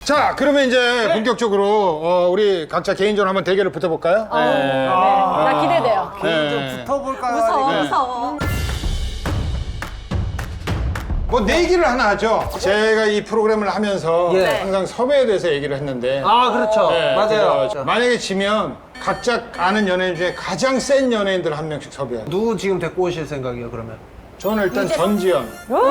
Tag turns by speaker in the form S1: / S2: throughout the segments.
S1: 자, 그러면 이제 본격적으로 우리 각자 개인전 한번 대결을 붙어볼까요?
S2: 나 기대돼요.
S1: 네.
S3: 붙어볼까요?
S2: 무서워,
S1: 네.
S2: 무서워.
S1: 뭐 내기를 하나 하죠. 제가 이 프로그램을 하면서
S3: 예.
S1: 항상 섭외에 대해서 얘기를 했는데
S3: 아, 그렇죠.
S1: 네,
S3: 맞아요.
S1: 그래서 만약에 지면 각자 아는 연예인 중에 가장 센 연예인들 한 명씩 섭외해요.
S3: 누구 지금 데리고 오실 생각이에요, 그러면?
S1: 저는 일단 전지현.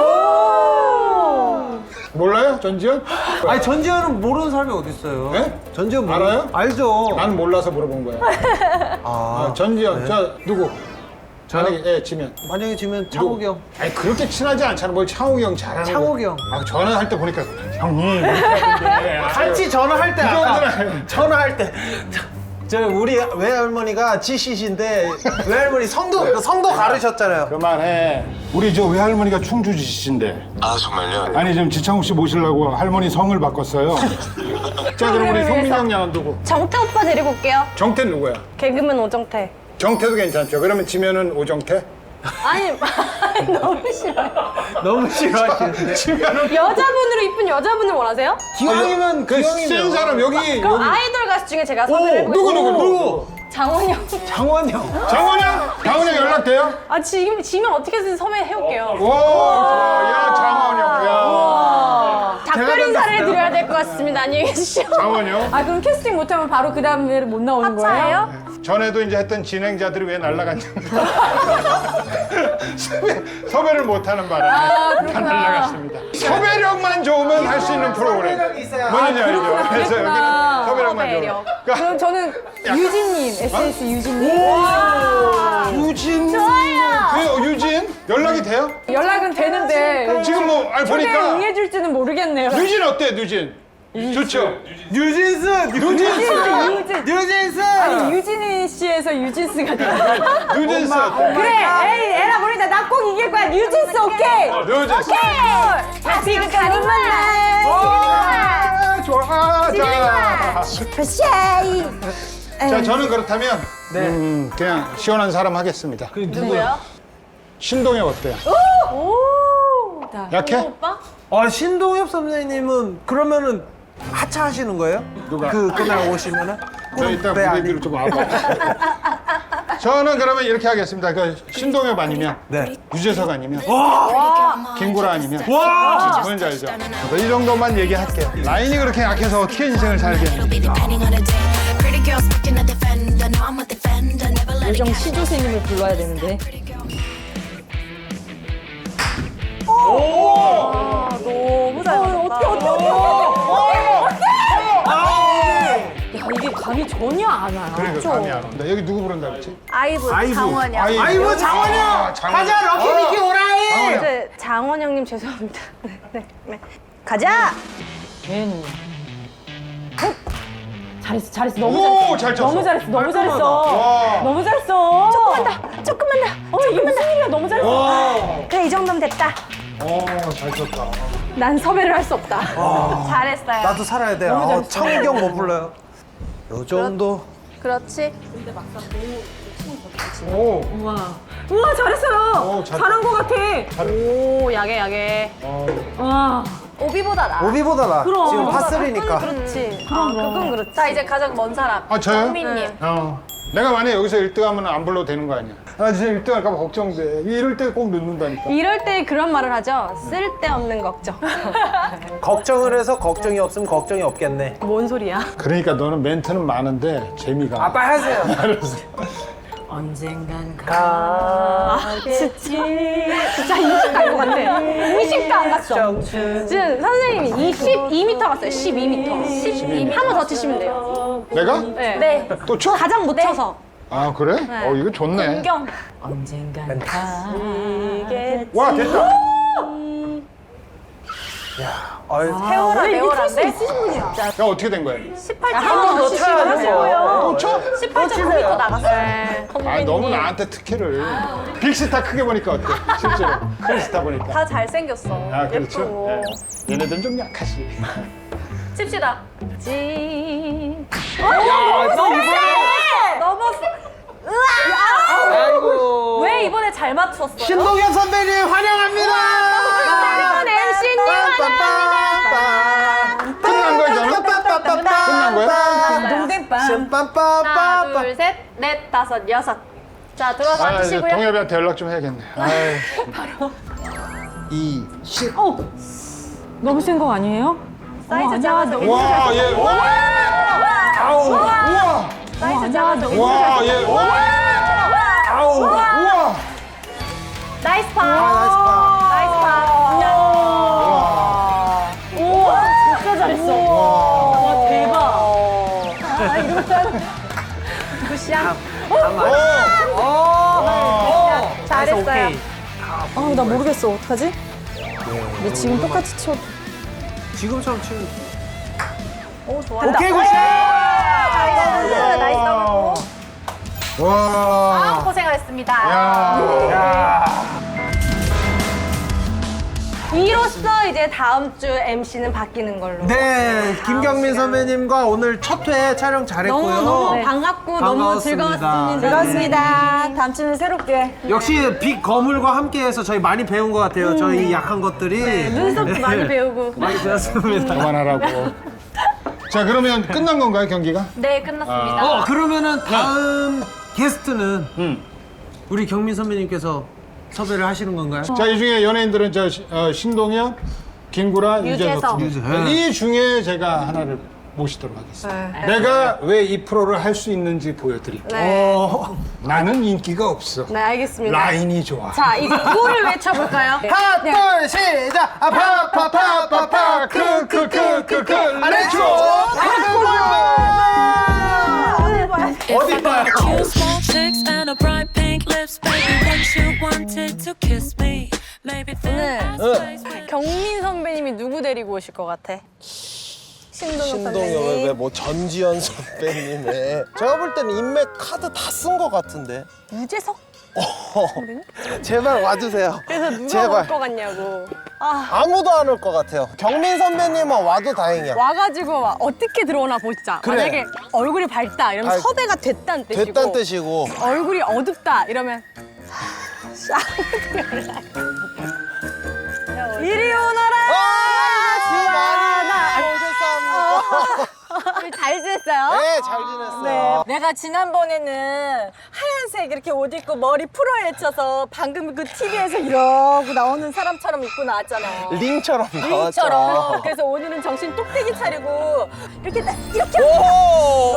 S1: 몰라요? 전지현?
S3: 아니, 전지현은 모르는 사람이 어디 있어요?
S1: 네?
S3: 전지현
S1: 알아요?
S3: 알죠.
S1: 나는 몰라서 물어본 거야. 전지현.
S3: 네.
S1: 저 누구? 만약에 지면.
S3: 만약에 지면 창욱이 형.
S1: 아니 그렇게 친하지 않잖아. 뭘 창욱이 형 잘하는
S3: 창욱이 형.
S1: 아, 전화할 때 보니까 형님 이렇게 하던데.
S3: 같이 전화할 때 아까
S1: 그거는-
S3: 전화할 때 저 우리 외할머니가 지씨신데 외할머니 성도 가르셨잖아요.
S1: 그만해. 우리 저 외할머니가 충주지신데.
S4: 아 정말요?
S1: 아니 지금 지창욱 씨 모시려고 할머니 성을 바꿨어요. 자 그럼 우리 성민 형 양은 누구?
S2: 정태 오빠 데리고 올게요.
S1: 정태 누구야?
S2: 개그맨 오정태.
S1: 정태도 괜찮죠. 그러면 지면은 오정태?
S2: 아니, 너무 싫어요.
S3: 너무 싫어하시는데.
S1: 지면은
S2: 여자분으로 이쁜 여자분을 원하세요?
S3: 기왕이면
S1: 그센 사람 여기
S2: 그럼 아이돌 가수 중에 제가 섭외를
S1: 누구
S2: 해보겠습니다.
S1: 누구?
S2: 장원영.
S3: 장원 형.
S1: 장원영? 장원영 연락돼요?
S2: 아, 지면 어떻게든 섭외해올게요.
S1: 오, 좋아. 야 장원영. 야.
S2: 작별 인사를 드려야 될 것 같습니다. 안녕히 계십시오.
S1: 장원영.
S2: 아, 그럼 캐스팅 못하면 바로 그 다음에 못 나오는 거예요?
S1: 전에도 이제 했던 진행자들이 왜 날라갔냐고. 섭외를 못하는 바람에 다 날라갔습니다. 섭외력만 좋으면 할 수 있는 프로그램.
S3: 섭외력이 있어야.
S1: 뭔지 알죠? 그래서 여기는 섭외력만 좋으면.
S2: 그럼 저는 유진님, SS 유진님.
S1: 유진.
S2: 좋아요.
S1: 그 유진 연락이 돼요?
S2: 연락은 되는데
S1: 지금 뭐 아니
S2: 초대에
S1: 보니까
S2: 응해줄지는 모르겠네요.
S1: 유진 어때 유진? 좋죠.
S3: 뉴진스. 뉴진스.
S2: 아니, 유진이 씨에서 유진스가 됐어.
S1: 뉴진스 어때?
S2: 그래, 에이, 에라 모르겠다. 나 꼭 이길 거야. 뉴진스 오케이.
S1: 뉴진스.
S2: 지금 가는 만날.
S1: 아, 좋아. 자.
S2: 슈퍼샤이.
S1: 자, 저는 그렇다면
S3: 네.
S1: 그냥 시원한 사람 하겠습니다.
S3: 그 누구야?
S1: 신동엽 어때요?
S2: 오.
S1: 약해?
S2: 오빠?
S3: 신동엽 선생님은 그러면은 하차하시는 거예요?
S1: 누가?
S3: 그날 오시면은?
S1: 저 일단
S3: 네,
S1: 무대 위로 좀 와봐. 저는 그러면 이렇게 하겠습니다. 그 신동엽 아니면
S3: 네.
S1: 유재석 아니면 김구라 아니면
S3: 와!
S1: 뭔지 알죠? 이 정도만 얘기할게요. 라인이 그렇게 약해서 어떻게 인생을 살겠는지.
S2: 요정 시조새님을 불러야 되는데. 너무 잘 맞았다. 야, 이게 감이 전혀 안 와요.
S1: 그러니까 감이 안 온다. 여기 누구 부른다 그랬지?
S2: 아이브, 장원영.
S3: 아이고 장원영! 가자 럭키미키 오라이!
S1: 장원영.
S2: 네, 장원영님 죄송합니다. 네. 가자! 괜히. 잘했어, 잘했어. 너무
S1: 오,
S2: 잘했어.
S1: 잘 쳤어.
S2: 너무 잘했어, 너무 잘했어.
S1: 와.
S2: 너무 잘했어. 조금만 더. 이게 무슨 일이야, 너무 잘했어. 그래, 이 정도면 됐다.
S1: 잘 쳤다.
S2: 난 섭외를 할 수 없다. 잘했어요.
S3: 나도 살아야 돼. 창욱형 못 불러요. 요 정도.
S2: 그렇지.
S1: 오.
S2: 우와, 잘했어요.
S1: 잘-
S2: 잘한 것 같아. 오, 야게. 와. 오비보다 나.
S3: 오비보다 나.
S2: 그럼.
S3: 지금 파3니까.
S2: 그렇지. 그건 그렇지. 자, 이제 가장 먼 사람.
S1: 아, 저요?
S2: 정민님.
S1: 내가 만약에 여기서 1등하면 안 불러도 되는 거 아니야? 나 진짜 1등할까 봐 걱정돼. 이럴 때 꼭 늦는다니까.
S2: 이럴 때 그런 말을 하죠. 쓸데없는 걱정.
S3: 걱정을 해서 걱정이 없으면 걱정이 없겠네.
S2: 뭔 소리야?
S1: 그러니까 너는 멘트는 많은데 재미가.
S3: 아, 빨리 하세요.
S1: 알았어.
S2: 언젠간 가겠지. 진짜 20 갈 것 같아. 20도 안 갔어. 지금 선생님이 12m 갔어요. 12m. 12m. 한 번 더 치시면 돼요.
S1: 내가?
S2: 네.
S1: 또 쳐?
S2: 가장 못 쳐서.
S1: 아, 그래? 이거 좋네.
S2: 공경. 언젠간 가겠지.
S1: 와, 됐다.
S2: 세월아, 세월한데? 있으신 분이야.
S1: 야, 어떻게 된 거야?
S2: 18점
S3: 더 쳐야 돼요.
S1: 또 쳐?
S2: 18.9m 나갔어요.
S1: 아, 너무 나한테 특혜를. 빅스타 크게 보니까 어때? 실제로. 큰 스타 보니까.
S2: 다 잘생겼어.
S1: 아, 그렇죠.
S2: 예쁘고.
S1: 네. 얘네들은 좀 약하지.
S2: 칩시다. 지.
S3: 너 이번에
S2: 넘었어.
S3: 아이고.
S2: 왜 이번에 잘 맞췄어요?
S3: 신동엽 선배님 환영합니다.
S2: 새로운 MC님 환영합니다.
S1: 끝난 거야, 저는? 거야?
S2: 동댕빵.
S3: 빰빰빰빰.
S2: 하나, 둘, 셋, 넷, 다섯, 여섯. 자, 들어와서
S1: 아, 이제
S2: 앉으시고요.
S1: 동엽이한테 연락 좀 해야겠네. 아이.
S3: 2, 10.
S4: 너무 센 거 아니에요?
S2: 사이즈 작아서
S1: 와, 얘. 와! 아우. 우와.
S2: 사이즈 작아서
S1: 와, 얘. 와! 아우. 우와.
S2: 나이스 파.
S3: 나이스 파.
S2: 나이스 파. 우와, 진짜 잘했어. 와, 대박. 굿샷. 잘했어요.
S4: 아, 나 모르겠어. 어떡하지? 근데 지금 똑같이 쳐.
S3: 지금처럼 치면.
S2: 오, 좋아.
S3: 오케이, 굿샷!
S2: 나이스 더블.
S1: 와.
S2: 고생하셨습니다.
S1: 야.
S2: 이로써 이제 다음 주 MC는 바뀌는 걸로.
S3: 네, 김경민 선배님과 오늘 첫 회 촬영 잘했고요.
S4: 너무
S2: 네.
S4: 반갑고
S3: 반가웠습니다.
S4: 너무 즐거웠습니다. 즐거웠습니다. 다음 주는 새롭게.
S3: 역시 빅 거물과 함께해서 저희 많이 배운 것 같아요. 저희 약한 것들이.
S2: 눈썹도 많이 배우고.
S3: 많이 배웠습니다.
S1: 그만하라고. 자, 그러면 끝난 건가요, 경기가?
S2: 네, 끝났습니다.
S3: 그러면은 다음 게스트는 우리 경민 선배님께서 섭외를 하시는 건가요?
S1: 자, 이 중에 연예인들은 신동엽, 김구라, 유재석.
S2: 유재석.
S1: 이 중에 제가 하나를 모시도록 하겠습니다. 내가 왜 이 프로를 할 수 있는지 보여드릴게요.
S2: 네.
S1: 나는 인기가 없어.
S2: 네, 알겠습니다.
S1: 라인이 좋아.
S2: 자, 이제 구호를 외쳐볼까요?
S3: 하나, 둘, 시작! 아, 파파파파파, 크크크크크, 레츠고! 어디 봐요?
S5: Cute small chicks and a bright pink lips, baby. Once you wanted to kiss me, maybe then that's space.
S2: 경민 선배님이 누구 데리고 오실 것 같아? 신동엽
S6: 신동엽의
S2: 선배님.
S6: 왜뭐 전지현 선배님의 제가 볼 때는 인맥 카드 다 쓴 것 같은데
S2: 유재석?
S6: 제발 와주세요.
S2: 그래서 누가
S6: 제발
S2: 올 것 같냐고.
S6: 아무도 안 올 것 같아요. 경민 선배님만 와도 다행이야.
S2: 와가지고 어떻게 들어오나 보자.
S6: 그래.
S2: 만약에 얼굴이 밝다 이러면
S6: 밝-
S2: 섭외가 됐다는 뜻이고.
S6: 됐단 뜻이고
S2: 얼굴이 어둡다 이러면 이리 오너라.
S6: 많이 오셨습니다.
S2: 잘 지냈어요?
S6: 네, 잘 지냈어요.
S4: 내가 지난번에는 하얀색 이렇게 옷 입고 머리 풀어헤쳐서 방금 그 TV에서 이러고 나오는 사람처럼 입고 나왔잖아.
S6: 링처럼 나왔죠.
S4: 링처럼. 그래서 오늘은 정신 똑대기 차리고 이렇게 이렇게
S6: 오!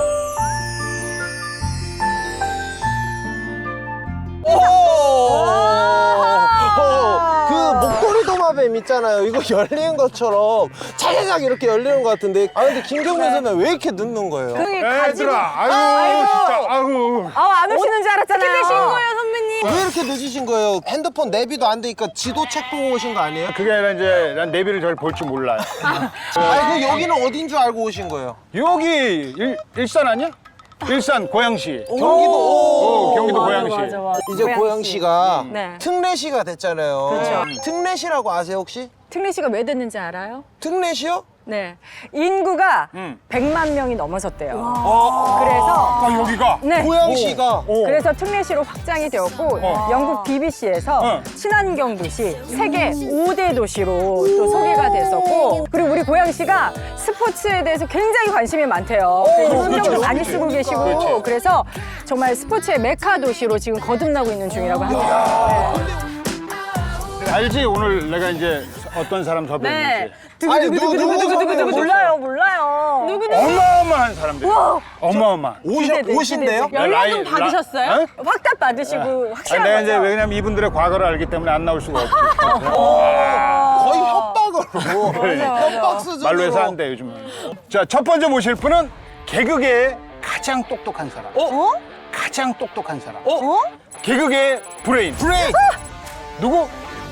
S6: 그 목도리 도마뱀 있잖아요. 이거 열리는 것처럼 차례작 이렇게 열리는 것 같은데. 아 근데 김경민 선배 왜 이렇게 늦는 거예요?
S1: 애들아, 아유, 진짜, 아유.
S4: 안 오시는 줄 알았잖아요.
S2: 어떻게 되신 거예요 선배님?
S6: 왜 이렇게 늦으신 거예요? 핸드폰 내비도 안 되니까 지도 책 보고 오신 거 아니에요?
S1: 그게 아니라 이제 난 내비를 잘 볼 줄 몰라요.
S6: 아니 그 여기는 어딘 줄 알고 오신 거예요?
S1: 여기 일산 아니야? 일산 고양시.
S6: 경기도.
S1: 경기도 고양시.
S6: 이제 고양시가
S4: 네.
S6: 특례시가 됐잖아요.
S4: 그렇죠.
S6: 특례시라고 아세요 혹시?
S4: 특례 씨가 왜 됐는지 알아요?
S6: 특례시요?
S4: 네. 인구가
S1: 음.
S4: 100만 명이 넘어섰대요.
S1: 아,
S4: 그래서
S1: 여기가.
S4: 네.
S6: 고양시가
S4: 그래서 특례시로 확장이 되었고 영국 BBC에서 친환경 도시 세계 5대 도시로 또 소개가 됐었고 그리고 우리 고양시가 스포츠에 대해서 굉장히 관심이 많대요. 신경도 많이 쓰고 계시고 그래서 정말 스포츠의 메카 도시로 지금 거듭나고 있는 중이라고 합니다.
S1: 알지? 오늘 내가 이제 어떤 사람 섭외했는지.
S6: 아니 누구
S4: 몰라요.
S1: 어마어마한 사람들. 어마어마한.
S6: 오신대요?
S2: 연락 좀 받으셨어요?
S1: 어?
S4: 확답 받으시고
S1: 아니,
S4: 확실한
S1: 내가 이제
S4: 거죠?
S1: 왜냐면 이분들의 과거를 알기 때문에 안 나올 수가 없지.
S6: 거의 협박으로 협박 수준으로
S1: 말로 해서 안 돼, 요즘은. 자, 첫 번째 모실 분은 개그계의 가장 똑똑한 사람. 가장 똑똑한 사람. 개그계의 브레인.
S6: 브레이크
S1: 누구?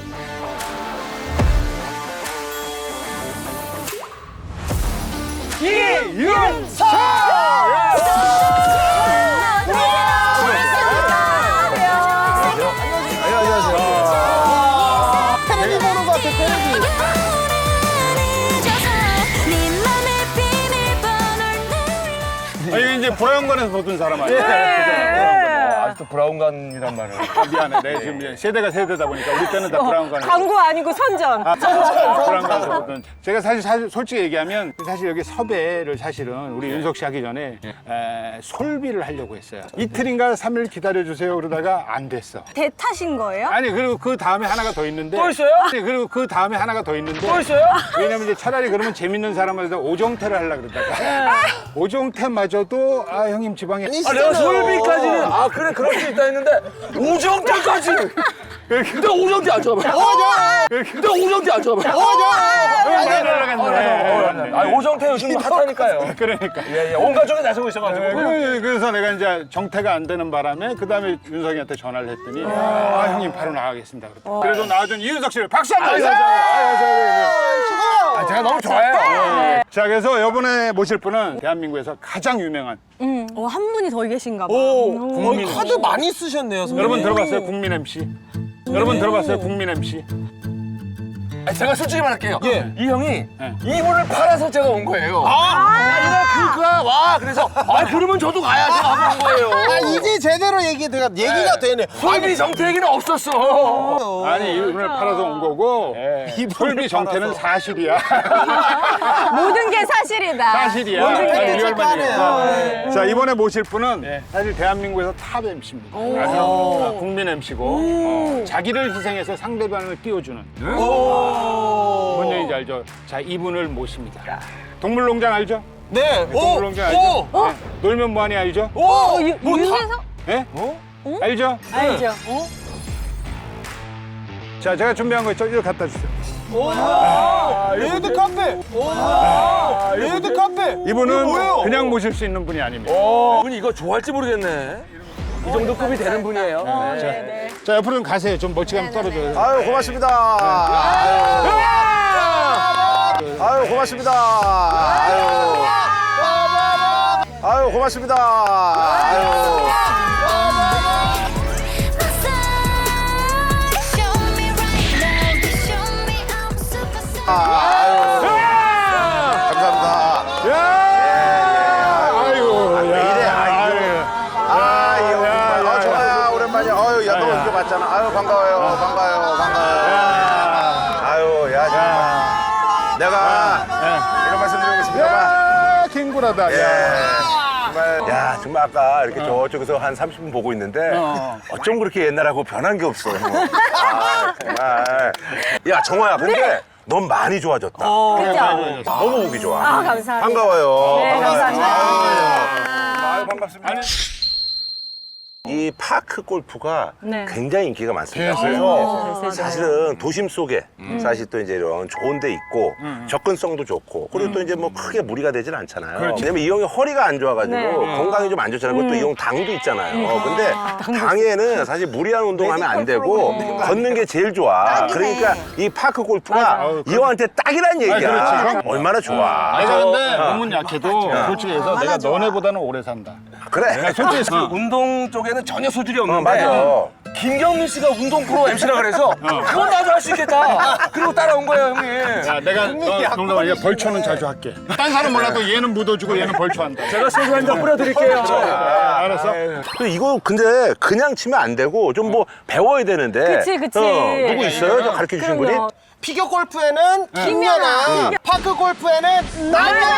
S1: 이윤석!
S6: 안녕하세요. 테레비 보는 것 같아 테레비.
S1: 아, 이게 이제 보라연관에서 보던 사람 아니에요? 그죠?
S7: 아직도 브라운관이란 말을.
S1: 미안해. 내 지금 세대가 세대다 보니까 우리 때는 다 브라운관.
S4: 광고 아니고 선전.
S1: 브라운관. 제가 사실 솔직히 얘기하면 사실 여기 섭외를 사실은 우리 윤석 씨 하기 전에 솔비를 하려고 했어요. 이틀인가 3일 기다려주세요 그러다가 안 됐어.
S2: 대타신 거예요?
S1: 아니 그리고 그 다음에 하나가 더 있는데.
S7: 또 있어요?
S1: 아니 그리고 그 다음에 하나가 더 있는데.
S7: 또 있어요?
S1: 왜냐면 이제 차라리 그러면 재밌는 사람한테 오정태를 하려고 그러다가 오정태마저도 아 형님 지방에
S7: 아, 내가 솔비까지는 아 그래 그럴 수 있다 했는데 오정태까지. 근데 오정태 안 쳐봐. 근데 오정태 안 쳐봐.
S1: 많이 날라갔네.
S7: 아 오정태 요즘 핫하니까요.
S1: 그러니까.
S7: 예, 온 가족이 나서고 있어가지고.
S1: 그래서 내가 이제 정태가 안 되는 바람에 그 다음에 윤석이한테 전화를 했더니 아 형님 바로 나가겠습니다. 그래서 나와준 이윤석 씨를 박수 한번 주세요.
S7: 아, 제가 너무 좋아해요.
S1: 자 그래서 이번에 모실 분은 대한민국에서 가장 유명한
S2: 한 분이 더 계신가 봐.
S6: 거의 카드 많이 쓰셨네요, 선배님.
S1: 여러분 들어봤어요 국민 MC? 여러분 들어봤어요 국민 MC?
S7: 아, 제가 솔직히 말할게요.
S6: 예.
S7: 이 형이
S1: 네.
S7: 이분을 팔아서 제가 온 거예요. 이날 그가 와 그래서 아 그러면 저도 가야지 하고 온 거예요.
S6: 아, 이제 제대로 얘기가 되네.
S7: 솔비 정태 얘기는 없었어.
S1: 아니 이분을 팔아서 온 거고 이 솔비 정태는 사실이야.
S4: 모든 게 사실이다.
S1: 사실이야.
S6: 오늘
S1: 아니,
S6: 팩트
S1: 리얼만이야.
S6: 체크하네요.
S1: 자 이번에 모실 분은 사실 대한민국에서 탑 MC입니다. 아주 국민 MC고 자기를 희생해서 상대방을 띄워주는. 뭔 얘기인지 알죠? 자 이분을 모십니다. 동물농장 알죠?
S6: 네.
S1: 동물농장 알죠? 네. 놀면 뭐하니 알죠?
S2: 윤세석?
S1: 네? 알죠?
S4: 알죠?
S1: 자 제가 준비한 거 있죠? 이거 갖다 주세요.
S6: 레드 카페. 레드 카페.
S1: 이분은
S6: 뭐예요?
S1: 그냥 모실 수 있는 분이 아닙니다.
S7: 분이 이거 좋아할지 모르겠네. 이 정도 급이 되는 분이에요.
S1: 자 옆으로 좀 가세요. 좀 멀찌감치 떨어져요.
S6: 아유, 고맙습니다. 아유, 고맙습니다. 아유, 고맙습니다. 아유. 감사합니다.
S1: 아이고,
S6: 좋아요. 오랜만이야. 아유, 야, 너 이거 맞잖아. 아유, 반가워요. 아유, 야, 정말. 내가 이런 말씀 드리고 싶습니다.
S1: 킹구라다.
S6: 정말. 야, 정말 아까 이렇게 저쪽에서 한 30분 보고 있는데 어쩜 그렇게 옛날하고 변한 게 없어. 아, 정말. 야, 정화야, 근데 넌 많이 좋아졌다.
S4: 그죠?
S6: 너무 보기 좋아.
S4: 아, 감사합니다.
S6: 반가워요.
S4: 네, 감사합니다.
S6: 아유, 반갑습니다. 이 파크 골프가
S4: 네.
S6: 굉장히 인기가 많습니다. 그래서 사실은 도심 속에 사실 또 이제 이런 좋은 데 있고 접근성도 좋고 그리고 또 이제 뭐 크게 무리가 되진 않잖아요. 왜냐면 이 형이 허리가 안 좋아가지고
S4: 네.
S6: 건강이 좀 안 좋잖아요. 그것도 이 형 당도 있잖아요. 근데 당에는 사실 무리한 운동하면 안 되고 걷는 게 제일 좋아. 그러니까 이 파크 골프가 이 형한테 딱이란 얘기야.
S1: 그렇지.
S6: 얼마나 좋아.
S1: 내가 근데 몸은 약해도 솔직히 해서 내가 너네보다는 오래 산다.
S6: 그래.
S1: 솔직히
S7: 운동 쪽에는 전혀 소질이 없는데
S6: 맞아.
S7: 김경민 씨가 운동 프로 MC라 그래서 그건 나도 할 수 있겠다. 그리고 따라온 거예요, 형님.
S1: 야, 내가 농담 아니야. 벌초는 자주 할게. 딴 사람 몰라도 얘는 묻어주고 얘는 벌초한다.
S7: 제가 소주 한 잔 뿌려드릴게요.
S1: 알았어?
S6: 이거 근데 그냥 치면 안 되고 좀 뭐 배워야 되는데.
S4: 그치.
S6: 누구 있어요? 저 가르쳐 주신 분이? 피겨 골프에는 김연아, 파크 골프에는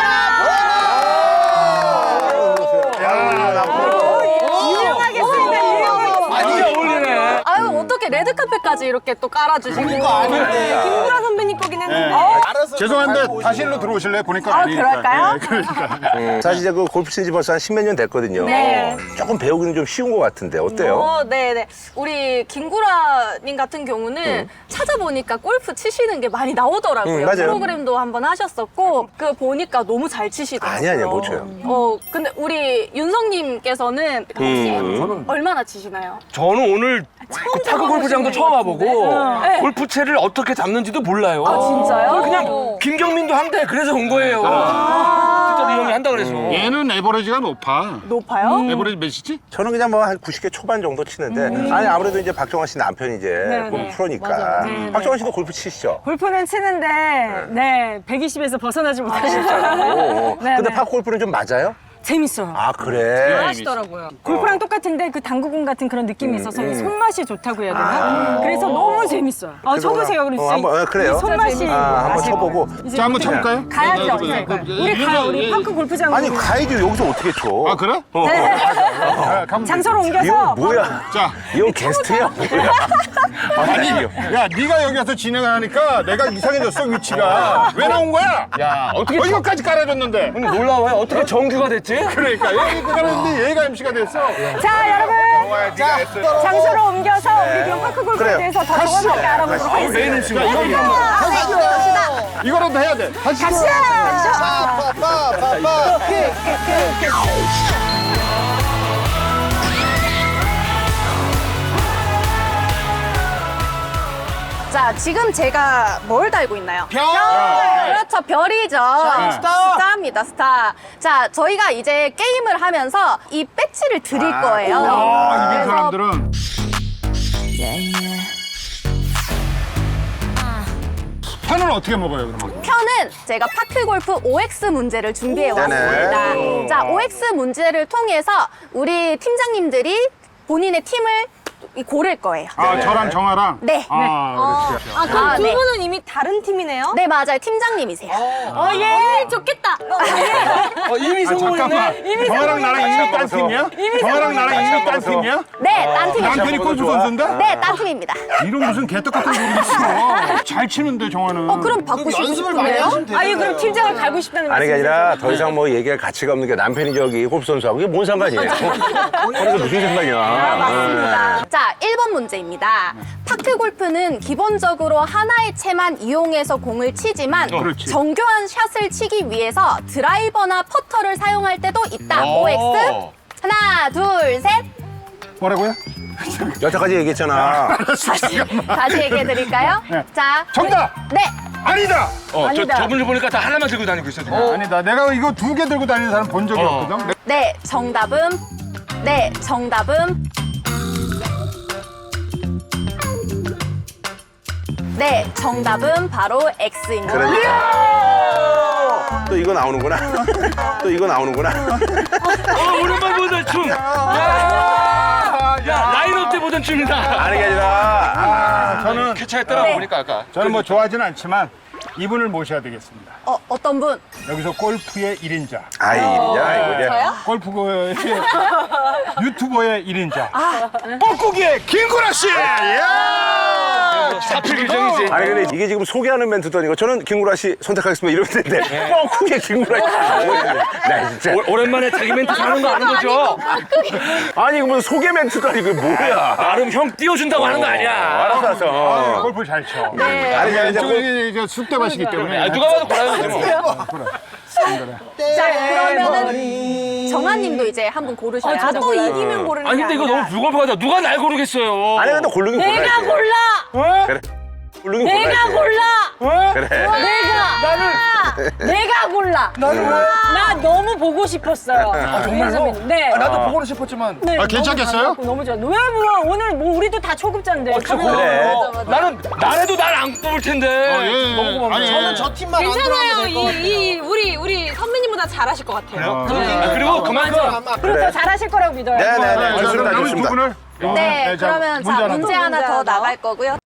S4: 유용하겠습니다.
S7: 많이 어울리네.
S2: 아유 어떻게 레드카펫까지 이렇게 또 깔아주시고. 김구라 선배님 거긴 했는데.
S1: 죄송한데 다시 일로 들어오실래요? 보니까 아니니까.
S4: 그럴까요?
S1: 예, 그러니까.
S6: 사실 이제 그 골프 친지 벌써 한 10몇 년 됐거든요.
S2: 네.
S6: 조금 배우기는 좀 쉬운 것 같은데 어때요?
S2: 네네. 우리 김구라님 같은 경우는 찾아보니까 골프 치시는 게 많이 나오더라고요.
S6: 맞아요.
S2: 프로그램도 한번 하셨었고, 그 보니까 너무 잘 치시더라고요.
S6: 아니야, 못 쳐요.
S2: 근데 우리 윤성님께서는 혹시 얼마나 치시나요?
S7: 저는 오늘 그 파크 골프장도 처음 와보고
S2: 네.
S7: 골프채를 어떻게 잡는지도 몰라요.
S2: 아, 진짜요?
S7: 그냥 김경민도 한대 그래서 온 거예요. 진짜로 이 형이 한다 그래서.
S1: 얘는 에버리지가 높아.
S2: 높아요?
S1: 에버리지 몇이지?
S6: 저는 그냥 뭐 한 90개 초반 정도 치는데 아니 아무래도 이제 박정환 씨 남편이 이제 골프 프로니까
S2: 맞아요.
S6: 박정환 씨도 골프 치시죠?
S4: 골프는 치는데, 네, 120에서 벗어나지 못하시더라고요. 네,
S6: 근데
S4: 네.
S6: 파크 골프는 좀 맞아요?
S4: 재밌어요.
S6: 아 그래.
S4: 하시더라고요. 골프랑 똑같은데 그 당구공 같은 그런 느낌이 있어서 이 손맛이 좋다고 해야 되나? 그래서 너무 재밌어요. 쳐보세요. 그럼 진짜
S6: 한번 그래요.
S4: 이 손맛이
S6: 한번
S4: 아시고.
S6: 쳐보고.
S4: 이제
S1: 자, 한번 쳐볼까요?
S4: 가야죠. 이제. 우리 가요. 우리 파크 골프장.
S6: 아니 가야지 여기서 어떻게 쳐?
S1: 아, 그래?
S4: 장소를
S6: 이거
S4: 옮겨서
S6: 뭐야?
S1: 자,
S6: 이거 게스트야 뭐야?
S1: 아니, 야, 네가 여기 와서 진행하니까 내가 이상해졌어, 위치가. 왜 나온 거야?
S7: 야, 어떻게
S1: 이거까지 깔아줬는데.
S7: 근데 놀라워요. 어떻게 정규가 됐지?
S1: 그러니까 여기 깔았는데 얘가 MC가 됐어.
S4: 자 여러분
S1: 네가 했어.
S4: 장소를 옮겨서 우리 그럼 파크 골프에
S6: 그래요.
S4: 대해서 더 정확하게 알아보도록 하겠습니다.
S1: 메인 MC가 이거라도 해야 돼. 다시.
S2: 자, 지금 제가 뭘 달고 있나요? 별! 그렇죠, 별이죠. 스타입니다, 스타. 자, 저희가 이제 게임을 하면서 이 배지를 드릴 거예요.
S1: 아, 이긴
S2: 그래서
S1: 사람들은. 편을 어떻게 먹어요, 그러면?
S2: 편은 제가 파크골프 OX 문제를 준비해 왔습니다. 자, OX 문제를 통해서 우리 팀장님들이 본인의 팀을 고를 거예요.
S1: 아, 저랑 정아랑?
S2: 네.
S1: 아, 그렇지.
S2: 아, 그럼 두 분은
S4: 이미 다른 팀이네요?
S2: 네, 맞아요. 팀장님이세요.
S4: 예, 좋겠다.
S7: 이미 성공했네.
S1: 잠깐만. 정아랑 나랑 이미 딴 팀이야? 정아랑 나랑 이미 딴 팀이야?
S2: 네, 딴 팀이죠.
S1: 남편이 골프 선수인데?
S2: 네, 딴 팀입니다.
S1: 이런 무슨 개떡 같은 소리 있어. 잘 치는데, 정아는.
S2: 그럼 바꾸시고 싶은데요?
S4: 아니 그럼 팀장을 갈고 싶다는
S6: 아니 게
S4: 말씀이세요?
S6: 아니라 더 이상 뭐 얘기할 가치가 없는 게 남편이 저기 골프 선수하고 이게 뭔 상관이에요? 그래서 무슨 상관이야?
S2: 맞습니다. 자, 1번 문제입니다. 파크 골프는 기본적으로 하나의 채만 이용해서 공을 치지만
S1: 그렇지.
S2: 정교한 샷을 치기 위해서 드라이버나 퍼터를 사용할 때도 있다. OX. 하나, 둘, 셋.
S1: 뭐라고요?
S6: 여태까지 얘기했잖아.
S2: 다시 얘기해 드릴까요?
S1: 네.
S2: 자.
S1: 정답!
S2: 네.
S1: 아니다!
S7: 저분을 보니까 다 하나만 들고 다니고 있어, 지금.
S1: 아니다. 내가 이거 2개 들고 다니는 사람 본 적이 없거든.
S2: 네, 정답은. 네, 정답은. 네, 정답은 바로 X입니다.
S6: 그러니까. 또 이거 나오는구나. 또 이거 나오는구나.
S7: 오랜만에 보던 춤. 야, 라인업 때 보던 춤이다.
S6: 아니 게 아니라
S1: 저는
S7: 쾌차에 따라보니까 아까.
S1: 저는 뭐 좋아하진 않지만 이분을 모셔야 되겠습니다.
S2: 어떤 분?
S1: 여기서 골프의 1인자.
S6: 아이 야 이거 이제
S1: 골프의 유튜버의 1인자. 뻐꾸기의 김구라 씨!
S7: 사필 규정이지.
S6: 아니 근데 이게 지금 소개하는 멘트도 아니고 저는 김구라 씨 선택하겠습니다 이러면 되는데 뻥크게 김구라 씨 나 진짜
S7: 오랜만에 자기 멘트 하는 거 아는 거죠?
S6: 아니 이거 무슨 소개 멘트도 아니고 이게 뭐야
S7: 나름 형 띄워준다고 하는 거 아니야.
S6: 알았어 알았어
S1: 골프 잘 쳐.
S6: 아니 그냥 이제
S1: 이쪽이 쑥대밭이기 때문에.
S7: 누가 봐도 고라야지 뭐.
S2: 자, 그러면은 정아님도 이제 한 분 고르셔야 죠
S4: 또 이기면 고르는
S7: 아니
S4: 게
S7: 근데 이거
S4: 아니라.
S7: 너무 불공평하다. 누가 날 고르겠어요.
S6: 아니 근데 고르긴 골라야지
S4: 내가 골라!
S6: 그래 고르긴
S4: 내가
S6: 골라야지
S4: 골라!
S6: 그래
S4: 내가 골라! 나 너무 보고 싶었어요. 정말로? 네.
S7: 나도 보고는 싶었지만.
S4: 네,
S1: 아, 괜찮겠어요?
S4: 너무 좋아. 왜 뭐, 오늘 뭐 우리도 다 초급자인데.
S6: 그래
S7: 나는 나래도 날 안 뽑을 텐데. 너무 고맙네.
S1: 아니, 저는 저
S2: 괜찮아요. 우리 선배님보다 잘하실 것 같아요.
S7: 그리고 그만큼
S4: 그리고 더 잘하실 거라고 믿어요.
S6: 네네네
S1: 남은
S6: 좋습니다
S1: 두
S6: 좋습니다
S1: 분을.
S2: 네,
S1: 자,
S2: 그러면 자, 문제 하나 더 나갈 거고요.